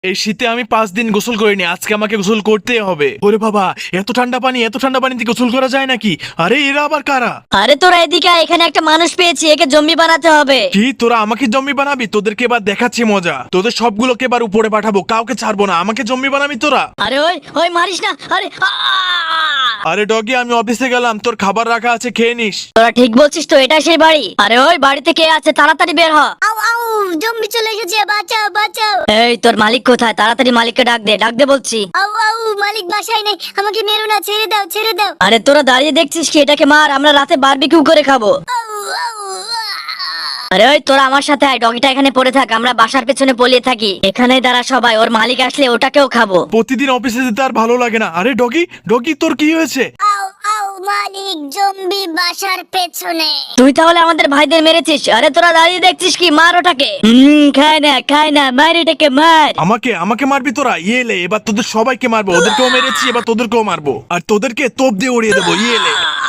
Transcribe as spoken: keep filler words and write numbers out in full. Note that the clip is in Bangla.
এই শীতে আমি পাঁচ দিন গোসল করিনি, আজকে আমাকে গোসল করতে হবে। ওরে বাবা, এত ঠান্ডা পানি, এত ঠান্ডা পানিতে গোসল করা যায় নাকি? আরে এরা আবার কারা? আরে তোরা এদিকে আয়, এখানে একটা মানুষ পেয়েছি, একে জম্বি বানাতে হবে। কি তোরা আমাকে জম্বি বানাবি? তোদেরকে এবার দেখাচ্ছি মজা। তোদের সবগুলোকে এবার উপরে পাঠাবো, কাউকে ছাড়বো না। আমাকে জম্বি বানাবি তোরা? আরে ওই ওই মারিস না, আরে আ! আরে ডগি, আমি অফিসে গেলাম, তোর খাবার রাখা আছে, খেয়ে নিস। তোরা ঠিক বলছিস তো, এটা সেই বাড়ি। আরে ওই বাড়িতে কে আছে, তাড়াতাড়ি বের হ। আউ আউ জম্বি চলে এসেছে, বাঁচাও বাঁচাও। এই তোর মালিক কোথায়? তাড়াতাড়ি মালিককে ডাক দে, ডাক দে বলছি। আউ আউ মালিক বাসায় নেই, আমাকে মেরো না, ছেড়ে দাও ছেড়ে দাও। আরে তোরা দাঁড়িয়ে দেখছিস কি? এটাকে মার, আমরা রাতে বারবিকিউ করে খাবো। আউ আউ আ! আরে ওই তোরা আমার সাথে আয়, ডগিটা এখানে পড়ে থাক, আমরা বাসার পেছনে পলিয়ে থাকি। এখানে দাঁড়া সবাই, ওর মালিক আসলে ওটাকেও খাবো। প্রতিদিন অফিসে যেতে আর ভালো লাগে না। আরে ডগি, ডগি তোর কি হয়েছে? আউ আউ মালিক, জম্বি বাসার পেছনে। তুই তাহলে আমাদের ভাইদের মেরেছিস? আরে তোরা দাঁড়িয়ে দেখছিস কি? মার ওটাকে। হুম, খায় না খায় না, মার এটাকে মার। আমাকে আমাকে মারবি তোরা? ইয়েলে, এবার তোদের সবাইকে মারবো। ওদেরকেও মেরেছি, এবার তোদেরকেও মারবো, আর তোদেরকে তোপ দিয়ে উড়িয়ে দেবো। ইয়েলে।